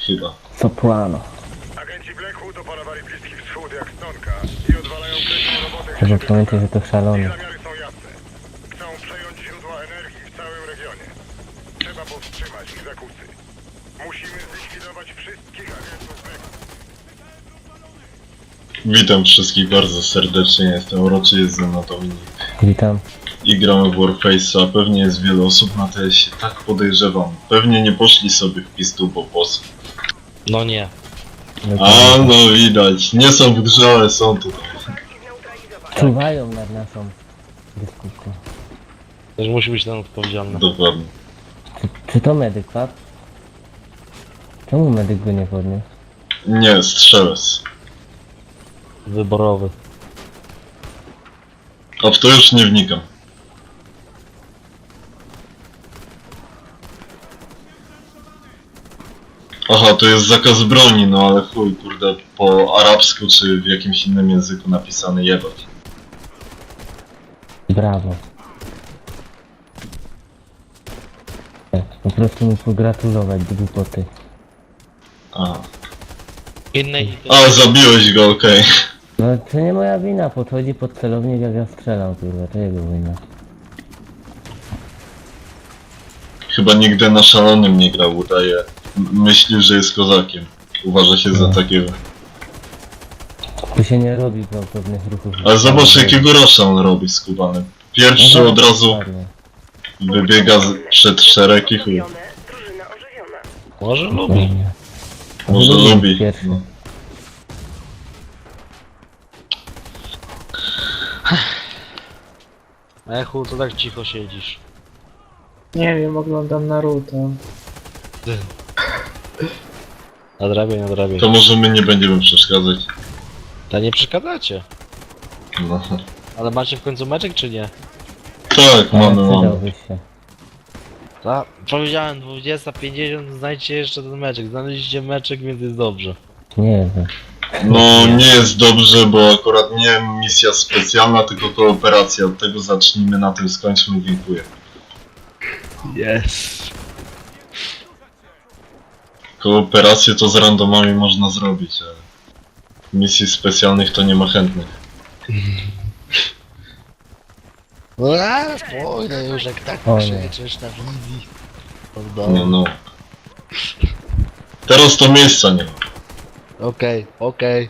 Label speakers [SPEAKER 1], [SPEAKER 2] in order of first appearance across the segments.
[SPEAKER 1] Chyba.
[SPEAKER 2] Soprano.
[SPEAKER 3] Agenci Blackwood opanowali Bliski Wschód jak stonka i odwalają krytą robotę.
[SPEAKER 2] Trzeba pamiętać, że to
[SPEAKER 3] Ich
[SPEAKER 2] szalony.
[SPEAKER 3] zamiary są jasne. Chcą przejąć źródła energii w całym regionie. Trzeba powstrzymać ich zakusy. Musimy zlikwidować wszystkich agentów Blackwood.
[SPEAKER 1] Witam wszystkich bardzo serdecznie, jestem uroczy, jest ze mną Dominik.
[SPEAKER 2] Witam.
[SPEAKER 1] I gramy w Warface'a, pewnie jest wiele osób na TS-ie, tak podejrzewam. Pewnie nie poszli sobie w pistu po boss.
[SPEAKER 4] No nie.
[SPEAKER 1] A no widać, nie są w grze, ale są tutaj.
[SPEAKER 2] Czuwają nad naszą dyskutką.
[SPEAKER 4] Też musi być ten odpowiedzialny.
[SPEAKER 1] Dokładnie.
[SPEAKER 2] Czy to medyk, pap? Czemu medyk go nie podniósł?
[SPEAKER 1] Nie, strzelec.
[SPEAKER 4] Wyborowy.
[SPEAKER 1] A w to już nie wnikam. Aha, to jest zakaz broni, no ale chuj, kurde, po arabsku czy w jakimś innym języku napisane jebać.
[SPEAKER 2] Brawo. Po prostu mu pogratulować do głupoty.
[SPEAKER 1] Aha.
[SPEAKER 4] Innej.
[SPEAKER 1] A, zabiłeś go, okej.
[SPEAKER 2] No to nie moja wina, podchodzi pod celownik jak ja strzelam, kurwa, to jego wina.
[SPEAKER 1] Chyba nigdy na szalonym nie grał, udaje. Myśli, że jest kozakiem. Uważa się za takiego.
[SPEAKER 2] Tu się nie robi gwałtownych ruchów.
[SPEAKER 1] Ale zobacz jakiego rosza on robi skubany. Pierwszy
[SPEAKER 2] No,
[SPEAKER 1] od razu
[SPEAKER 2] dokładnie.
[SPEAKER 1] wybiega przed szereg i chuj.
[SPEAKER 3] Drużyna ożywiona.
[SPEAKER 4] Może lubi.
[SPEAKER 2] Dokładnie.
[SPEAKER 1] Może
[SPEAKER 2] Lubi
[SPEAKER 1] lubi.
[SPEAKER 2] pierwszy.
[SPEAKER 1] No.
[SPEAKER 4] Echu, to tak cicho siedzisz.
[SPEAKER 5] Nie wiem, oglądam Naruto.
[SPEAKER 4] Nadrabiaj, nadrabiaj.
[SPEAKER 1] To może my nie będziemy przeszkadzać.
[SPEAKER 4] To nie przeszkadzacie.
[SPEAKER 1] No.
[SPEAKER 4] Ale macie w końcu meczek czy nie?
[SPEAKER 1] Tak,
[SPEAKER 2] Ale
[SPEAKER 1] mamy.
[SPEAKER 2] przydałbyś się.
[SPEAKER 4] Tak, powiedziałem 20:50, znajdźcie jeszcze ten meczek. Znaleźliście meczek, więc jest dobrze.
[SPEAKER 2] Nie wiem.
[SPEAKER 1] No nie jest dobrze, bo akurat nie misja specjalna, tylko kooperacja. Od tego zacznijmy, na tym skończmy, dziękuję.
[SPEAKER 4] Yes.
[SPEAKER 1] Kooperację to z randomami można zrobić, ale misji specjalnych to nie ma chętnych.
[SPEAKER 4] No spokojnie już jak tak
[SPEAKER 2] O nie.
[SPEAKER 4] krzyczysz na wizji.
[SPEAKER 1] No, no. Teraz to miejsca nie ma.
[SPEAKER 4] Okej, okej.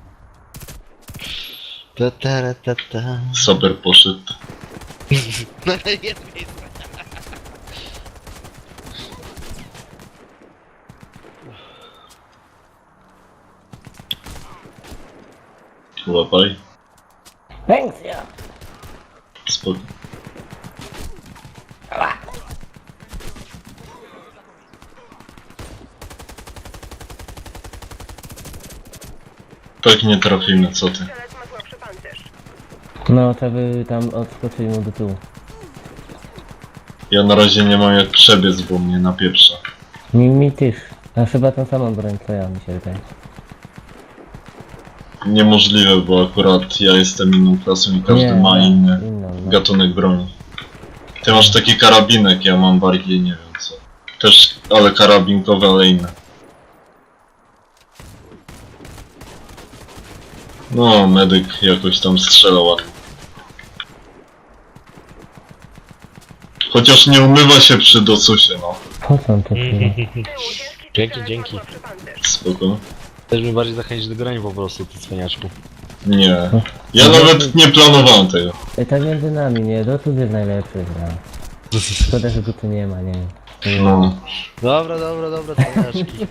[SPEAKER 4] Ta ta ta ta.
[SPEAKER 1] Saber poszedł.
[SPEAKER 4] No ale jest miejsce.
[SPEAKER 1] Łapaj.
[SPEAKER 2] Thanks, ja.
[SPEAKER 1] Spoko. Tak nie trafimy, co ty.
[SPEAKER 3] Strzelec ma słabszy pancerz.
[SPEAKER 2] No, trzeba by tam odskoczyć mu do tyłu.
[SPEAKER 1] Ja na razie nie mam jak przebiec, bo mnie napieprza.
[SPEAKER 2] Mi też. A chyba tą samą broń co ja, mi się wydaje.
[SPEAKER 1] Niemożliwe, bo akurat ja jestem inną klasą i każdy
[SPEAKER 2] Nie,
[SPEAKER 1] ma inny
[SPEAKER 2] inną, no.
[SPEAKER 1] gatunek broni. Ty masz taki karabinek, ja mam bardziej nie wiem co. Też, ale karabinkowe, ale inne. No, medyk jakoś tam strzela ładnie. Chociaż nie umywa się przy docusie, no.
[SPEAKER 2] Po co on to pije?
[SPEAKER 4] Dzięki, dzięki.
[SPEAKER 3] Słabszy pancerz.
[SPEAKER 1] Spoko.
[SPEAKER 4] Chcesz mnie bardziej zachęcić do grania po prostu, ty cwaniaczku.
[SPEAKER 1] Nie. Ja nawet nie planowałem tego.
[SPEAKER 2] Ej, tak między nami, nie? Dotąd jest najlepszy gra. Szkoda, że go tu nie ma, nie?
[SPEAKER 1] No.
[SPEAKER 4] Dobra, cwaniaczki.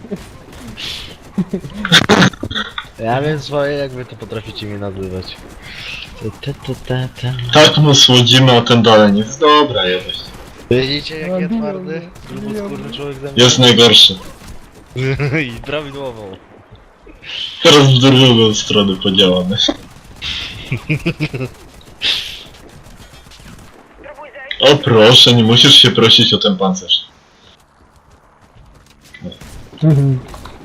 [SPEAKER 4] Ja wiem swoje, jak wy to potraficie mnie nazywać.
[SPEAKER 1] Tak mu słodzimy, a ten dalej nie jest dobra jakoś.
[SPEAKER 4] Widzicie, jak ja twardy? Gruboskórny człowiek ze mnie.
[SPEAKER 1] Jest najgorszy.
[SPEAKER 4] I prawidłową.
[SPEAKER 1] Teraz w drugą stronę podziałamy.
[SPEAKER 3] Próbuj zejść.
[SPEAKER 1] O proszę, nie musisz się prosić o ten pancerz.
[SPEAKER 2] Mhm.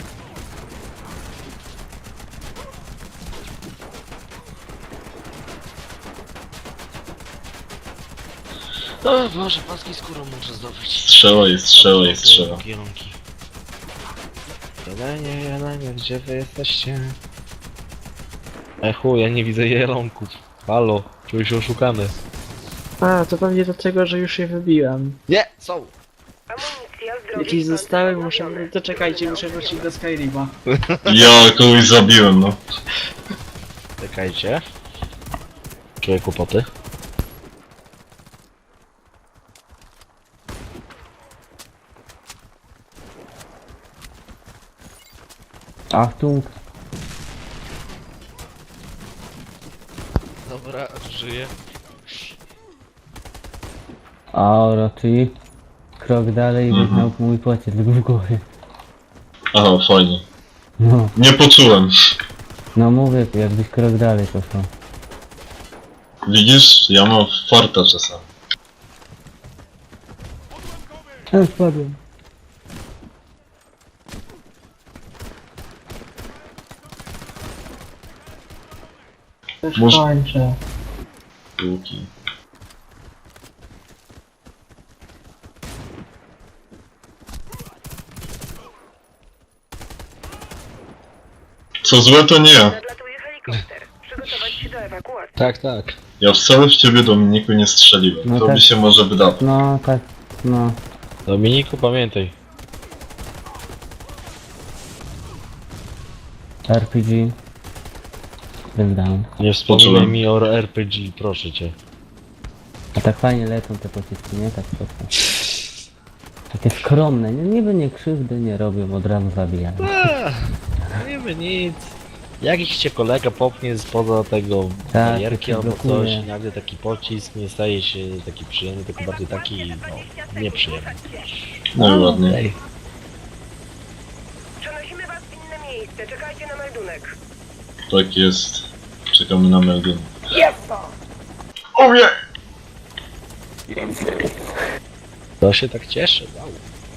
[SPEAKER 4] O Boże, paski skórą muszę zdobyć.
[SPEAKER 1] Strzela jest, strzela jest, strzela.
[SPEAKER 4] Kierunki. Ja nie wiem, gdzie wy jesteście. Chuj, ja nie widzę jelonków. Halo, czuję się oszukany.
[SPEAKER 5] A, to pewnie dlatego, że już je wybiłem.
[SPEAKER 4] Nie, są!
[SPEAKER 6] Amunicja z drogi
[SPEAKER 5] Jakieś
[SPEAKER 6] stąd
[SPEAKER 5] zostały,
[SPEAKER 6] odnowione.
[SPEAKER 5] muszę... To czekajcie, muszę wrócić do Skyrima.
[SPEAKER 1] Ja kogoś zabiłem, no.
[SPEAKER 4] Czekajcie. Czuję kłopoty.
[SPEAKER 2] Achtung.
[SPEAKER 4] Dobra, żyję.
[SPEAKER 2] Aura, czyli krok dalej
[SPEAKER 1] Mhm.
[SPEAKER 2] wyznał mój pocisk w głowie.
[SPEAKER 1] Aha, fajnie.
[SPEAKER 2] No,
[SPEAKER 1] Nie poczułem.
[SPEAKER 2] no mówię, jakbyś krok dalej poszło.
[SPEAKER 1] Widzisz? Ja mam farta czasami.
[SPEAKER 2] Ja spadłem.
[SPEAKER 5] Też
[SPEAKER 1] Może-
[SPEAKER 5] kończę.
[SPEAKER 1] Łuki. Co złe to nie ja.
[SPEAKER 6] Nadlatuje helikopter. Przygotować się do ewakuacji.
[SPEAKER 4] Tak, tak.
[SPEAKER 1] Ja wcale w ciebie, Dominiku, nie strzeliłem.
[SPEAKER 2] No
[SPEAKER 1] To
[SPEAKER 2] tak.
[SPEAKER 1] by się może wydało.
[SPEAKER 2] No tak, no.
[SPEAKER 4] Dominiku, pamiętaj.
[SPEAKER 2] RPG. Wyzdałem.
[SPEAKER 4] Nie wspominaj
[SPEAKER 1] Poczułem.
[SPEAKER 4] mi o RPG, proszę cię.
[SPEAKER 2] A tak fajnie lecą te pociski, nie? Tak prosto. Takie skromne, niby nie krzywdy nie robią, od razu zabijają.
[SPEAKER 4] Nie by nic. Jakiś cię kolega popnie spoza tego
[SPEAKER 2] Tak,
[SPEAKER 4] barierki
[SPEAKER 2] to się
[SPEAKER 4] albo
[SPEAKER 2] blokuje.
[SPEAKER 4] coś, nagle taki pocisk nie staje się taki przyjemny, tylko bardziej taki, no, nieprzyjemny.
[SPEAKER 1] No i ładnie.
[SPEAKER 4] Ej,
[SPEAKER 6] Przenosimy was w inne miejsce. Czekajcie na meldunek.
[SPEAKER 1] Tak jest. Czekamy na meldunek. O nie!
[SPEAKER 4] to się tak cieszę, wow.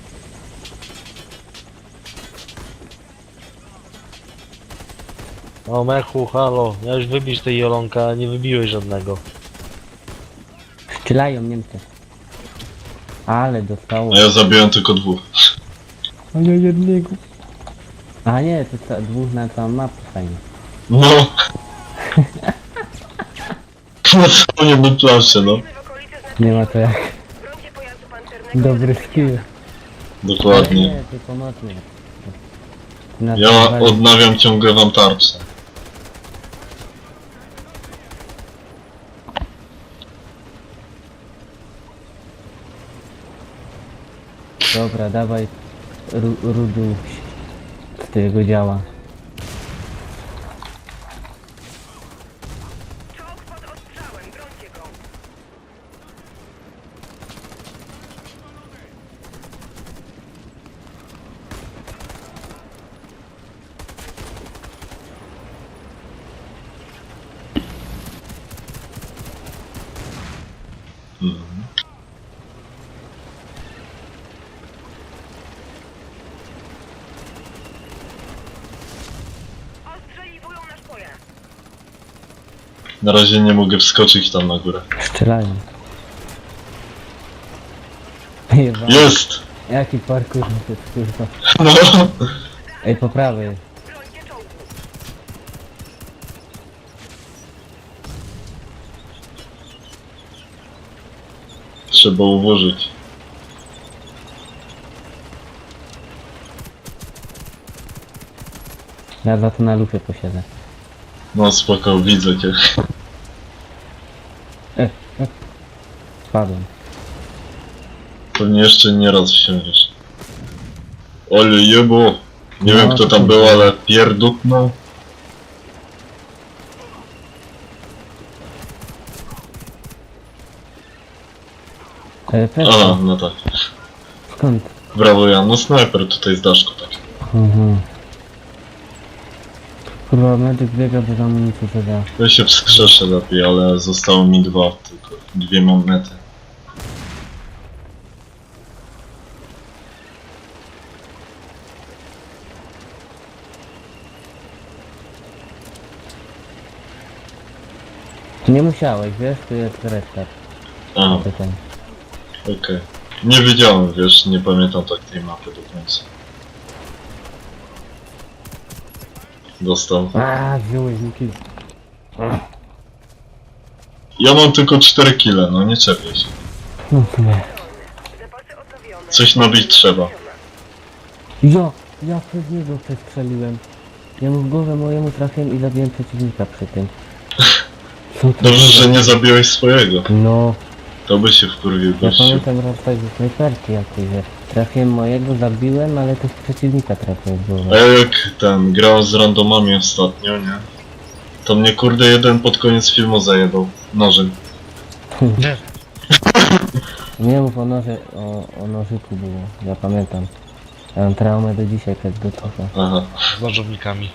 [SPEAKER 4] O Mechu, halo, miałeś wybić tej Jolonka, a nie wybiłeś żadnego.
[SPEAKER 2] Strzelają Niemcy. Ale dostało.
[SPEAKER 1] A ja zabiłem tylko dwóch.
[SPEAKER 2] A ja jednego. A nie, to dwóch na całą mapę fajnie.
[SPEAKER 1] No. Na całą jedną planszę, no.
[SPEAKER 6] W okolicy znaczy
[SPEAKER 2] Nie ma to jak.
[SPEAKER 6] brońcie pojazdu pancernego.
[SPEAKER 2] Dobry skill.
[SPEAKER 1] Dokładnie.
[SPEAKER 2] Nie, to pomocny. Na
[SPEAKER 1] Ja
[SPEAKER 2] to wali-
[SPEAKER 1] odnawiam ciągle wam tarczę.
[SPEAKER 2] Dobra, dawaj rudu z tego działa.
[SPEAKER 6] Czołg pod ostrzałem. Brońcie go.
[SPEAKER 1] Mhm.
[SPEAKER 6] Ostrzeliwują nasz pojazd.
[SPEAKER 1] Na razie nie mogę wskoczyć tam na górę.
[SPEAKER 2] Strzelają. Jeba.
[SPEAKER 1] Jest!
[SPEAKER 2] Jaki parkour to jest kurwa.
[SPEAKER 1] No!
[SPEAKER 2] Ej, po prawej.
[SPEAKER 6] Brońcie czołgu.
[SPEAKER 1] Trzeba ułożyć.
[SPEAKER 2] Ja za to na lufie posiedzę.
[SPEAKER 1] No spoko, widzę cię.
[SPEAKER 2] Spadłem.
[SPEAKER 1] Pewnie jeszcze nie raz wsiądziesz. Ole jebo! Nie
[SPEAKER 2] No,
[SPEAKER 1] wiem kto
[SPEAKER 2] to
[SPEAKER 1] tam
[SPEAKER 2] kurde.
[SPEAKER 1] był, ale pierdutnął.
[SPEAKER 2] Pewnie.
[SPEAKER 1] Aha, no tak.
[SPEAKER 2] Skąd?
[SPEAKER 1] Brawo Jan, no snajper tutaj z daszku tak.
[SPEAKER 2] Mhm. Kurwa, medyk biega bez amunicji, co da.
[SPEAKER 1] Ja się wskrzeszę lepiej, ale zostało mi dwa, tylko dwie mam mety.
[SPEAKER 2] Nie musiałeś, wiesz, tu jest restart.
[SPEAKER 1] Aha,
[SPEAKER 2] Tutaj.
[SPEAKER 1] okej. Nie wiedziałem, wiesz, nie pamiętam tak tej mapy do końca. dostał.
[SPEAKER 2] Wziąłeś mi kill.
[SPEAKER 1] Ja mam tylko 4 kile, no nie czepię się.
[SPEAKER 2] No w sumie.
[SPEAKER 6] Zapasy odnowione.
[SPEAKER 1] Coś nabić trzeba.
[SPEAKER 2] Ja przez niego przestrzeliłem. Ja mu w głowę mojemu trafiłem i zabiłem przeciwnika przy tym. Co to
[SPEAKER 1] Dobrze,
[SPEAKER 2] za-
[SPEAKER 1] że nie zabiłeś swojego.
[SPEAKER 2] No,
[SPEAKER 1] To by się wkurwił
[SPEAKER 2] ja
[SPEAKER 1] gościu.
[SPEAKER 2] pamiętam raz tak ze snajperki jakiejś, że trafiłem mojego, zabiłem, ale też przeciwnika trafiłem w
[SPEAKER 1] A
[SPEAKER 2] głowę.
[SPEAKER 1] ja jak grałem z randomami ostatnio, nie? To mnie kurde jeden pod koniec filmu zajebał. Nożem.
[SPEAKER 2] Nie mów o noże, o nożyku było, ja pamiętam. Ja mam traumę do dzisiaj, jak do trochę.
[SPEAKER 1] Aha.
[SPEAKER 4] Z nożownikami.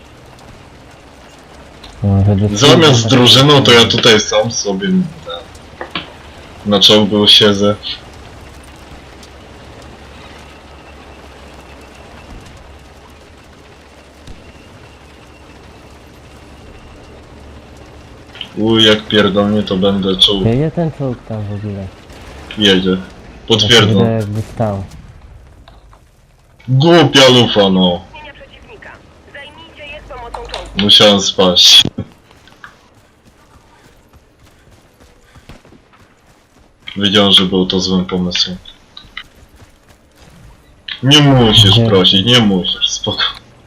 [SPEAKER 2] No,
[SPEAKER 1] Zamiast z drużyną to ja tutaj sam sobie na czołgu siedzę. Jak pierdolnie to będę czuł.
[SPEAKER 2] Jedzie ten czołg tam w ogóle.
[SPEAKER 1] Jedzie.
[SPEAKER 2] Ja się
[SPEAKER 1] Potwierdzam.
[SPEAKER 2] wydaje, jakby stał.
[SPEAKER 1] Głupia lufa, no.
[SPEAKER 6] Zmienia przeciwnika. Zajmijcie je z pomocą czołgu.
[SPEAKER 1] Musiałem spaść. Wiedziałem, że był to złym pomysłem. Nie musisz
[SPEAKER 2] Nie.
[SPEAKER 1] prosić, nie musisz, spoko.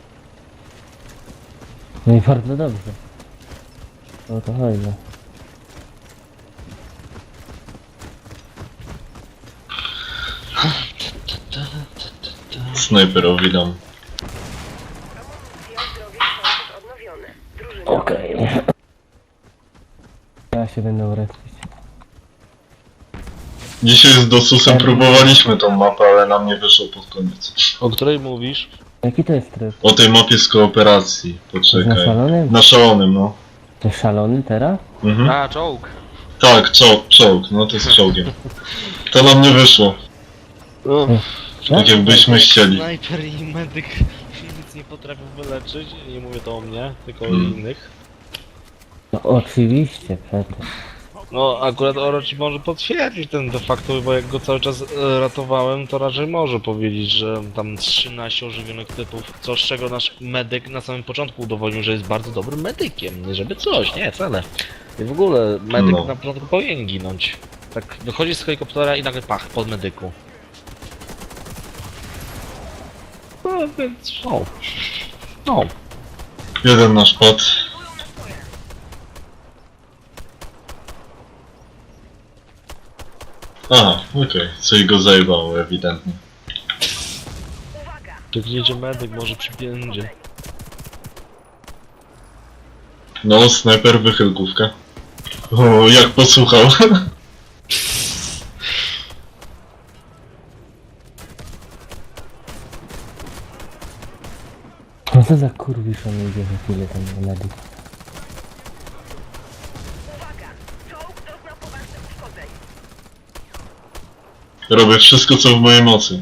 [SPEAKER 2] No i bardzo dobrze. O to chodzi.
[SPEAKER 1] Snajperowi dam.
[SPEAKER 6] Amunicja, zdrowie, zapasy odnowione. Drużyna.
[SPEAKER 2] Okej. Ja się będę respić.
[SPEAKER 1] Dzisiaj z Dosusem próbowaliśmy tą mapę, ale nam nie wyszło pod koniec.
[SPEAKER 4] O której mówisz?
[SPEAKER 2] Jaki to jest tryb?
[SPEAKER 1] O tej mapie z kooperacji,
[SPEAKER 2] To jest na
[SPEAKER 1] poczekaj.
[SPEAKER 2] szalonym?
[SPEAKER 1] Na szalonym, no.
[SPEAKER 2] To jest szalony teraz?
[SPEAKER 1] Mhm.
[SPEAKER 4] A, czołg.
[SPEAKER 1] Tak, czołg, no to jest czołgiem. To nam nie wyszło, tak jakbyśmy chcieli.
[SPEAKER 4] Snajper i medyk nic nie potrafią wyleczyć. Nie mówię to o mnie, tylko o
[SPEAKER 1] Hmm.
[SPEAKER 4] innych.
[SPEAKER 2] No oczywiście, przecież.
[SPEAKER 4] No akurat Orochi może potwierdzić ten de facto, bo jak go cały czas ratowałem, to raczej może powiedzieć, że tam 13 ożywionych typów, co z czego nasz medyk na samym początku udowodnił, że jest bardzo dobrym medykiem, nie żeby coś, nie, wcale. I w ogóle medyk
[SPEAKER 1] No.
[SPEAKER 4] na początku powinien ginąć. Tak wychodzi z helikoptera i nagle pach, pod medyku. No więc, no.
[SPEAKER 1] Jeden nasz pad. Aha, okej, coś go zajebało ewidentnie.
[SPEAKER 6] Uwaga!
[SPEAKER 4] Tu gdzie medyk może przypiędzie.
[SPEAKER 1] No, snajper, wychylkówka. O, jak posłuchał.
[SPEAKER 2] No co za kurwisz on idzie za chwilę tam na medyk.
[SPEAKER 6] Uwaga! Czołg doznał poważnych uszkodzeń.
[SPEAKER 1] Robię wszystko, co w mojej mocy.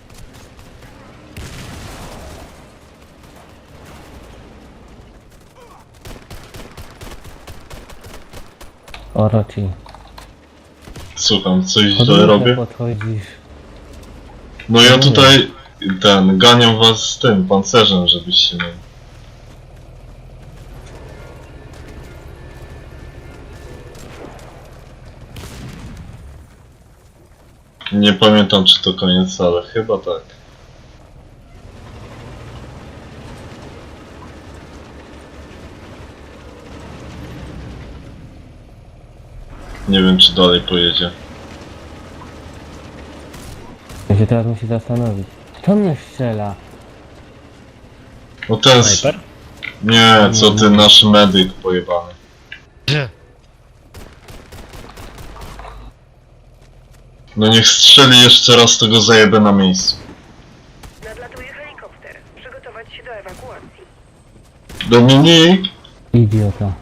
[SPEAKER 2] Orochi.
[SPEAKER 1] Słucham, coś źle
[SPEAKER 2] Podwójnie
[SPEAKER 1] robię?
[SPEAKER 2] podchodzisz.
[SPEAKER 1] No ja tutaj, ganiam was z tym pancerzem, żebyście mieli. Nie pamiętam, czy to koniec, ale chyba tak. Nie wiem, czy dalej pojedzie.
[SPEAKER 2] Ja się teraz musi zastanowić. Kto mnie strzela?
[SPEAKER 1] No ten...
[SPEAKER 4] Snajper?
[SPEAKER 1] Nie, co ty, nasz medyk pojebany. No niech strzeli jeszcze raz, to go zajebę na miejscu.
[SPEAKER 6] Nadlatuje helikopter. Przygotować się do ewakuacji.
[SPEAKER 1] Dominik!
[SPEAKER 2] Idiota.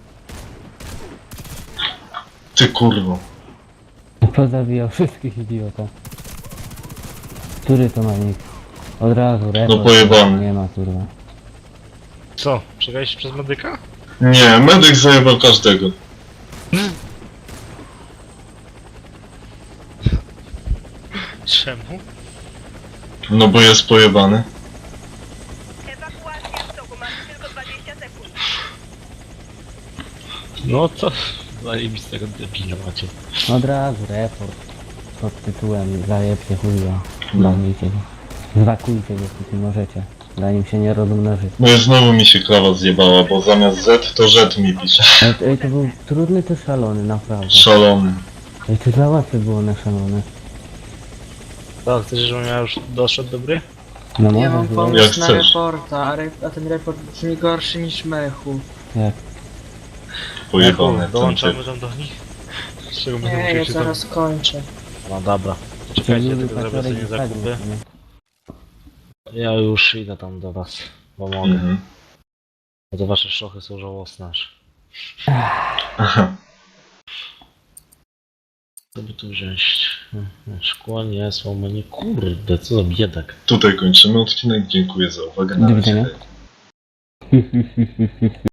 [SPEAKER 1] Ty kurwo.
[SPEAKER 2] Pozabijał wszystkich idiota. Który to ma nick? Od razu, report.
[SPEAKER 1] pojebany.
[SPEAKER 2] Nie ma kurwa.
[SPEAKER 4] Co? Przegraliście przez medyka?
[SPEAKER 1] Nie, medyk zajebał każdego.
[SPEAKER 4] Czemu?
[SPEAKER 1] No bo jest pojebany.
[SPEAKER 6] Ewakuacja w toku. Macie tylko 20
[SPEAKER 4] No co? Zajebistego debila macie.
[SPEAKER 2] Od razu report pod tytułem zajebcie chuja. Bawujcie go. Zwakujcie go, póki możecie. Zanim się nie rozmnoży.
[SPEAKER 1] No i znowu mi się klawa zjebała, bo zamiast Z to Z mi pisze.
[SPEAKER 2] Ej, to był trudny to szalony, naprawdę.
[SPEAKER 1] Szalony.
[SPEAKER 2] Ej, to za łatwe było na szalone.
[SPEAKER 4] To chcesz, żebym ja już doszedł do gry?
[SPEAKER 2] No
[SPEAKER 5] Ja
[SPEAKER 2] może
[SPEAKER 5] mam
[SPEAKER 2] było.
[SPEAKER 1] Jak
[SPEAKER 5] pomysł na
[SPEAKER 1] chcesz.
[SPEAKER 5] reporta, a ten report brzmi gorszy niż mechu.
[SPEAKER 2] Jak?
[SPEAKER 1] Pojebane. ten
[SPEAKER 4] Dołączamy
[SPEAKER 1] typ.
[SPEAKER 4] tam do nich? Z czego będę
[SPEAKER 5] Nie,
[SPEAKER 4] musiał
[SPEAKER 5] ja
[SPEAKER 4] się tam...
[SPEAKER 5] zaraz kończę.
[SPEAKER 4] No dobra. Czekajcie, ja
[SPEAKER 2] Lubił
[SPEAKER 4] tylko zrobię
[SPEAKER 2] paciorek
[SPEAKER 4] sobie
[SPEAKER 2] i tak
[SPEAKER 4] zakupy.
[SPEAKER 2] nie?
[SPEAKER 4] Ja już idę tam do was. Pomogę.
[SPEAKER 1] Mhm.
[SPEAKER 4] Bo te wasze szochy są żałosne aż.
[SPEAKER 1] Aha.
[SPEAKER 4] Co by tu wziąć? Szkło nie, słomy nie. Kurde, co za biedak.
[SPEAKER 1] Tutaj kończymy odcinek. Dziękuję za uwagę.
[SPEAKER 2] Do
[SPEAKER 1] Na
[SPEAKER 2] widzenia.
[SPEAKER 1] razie.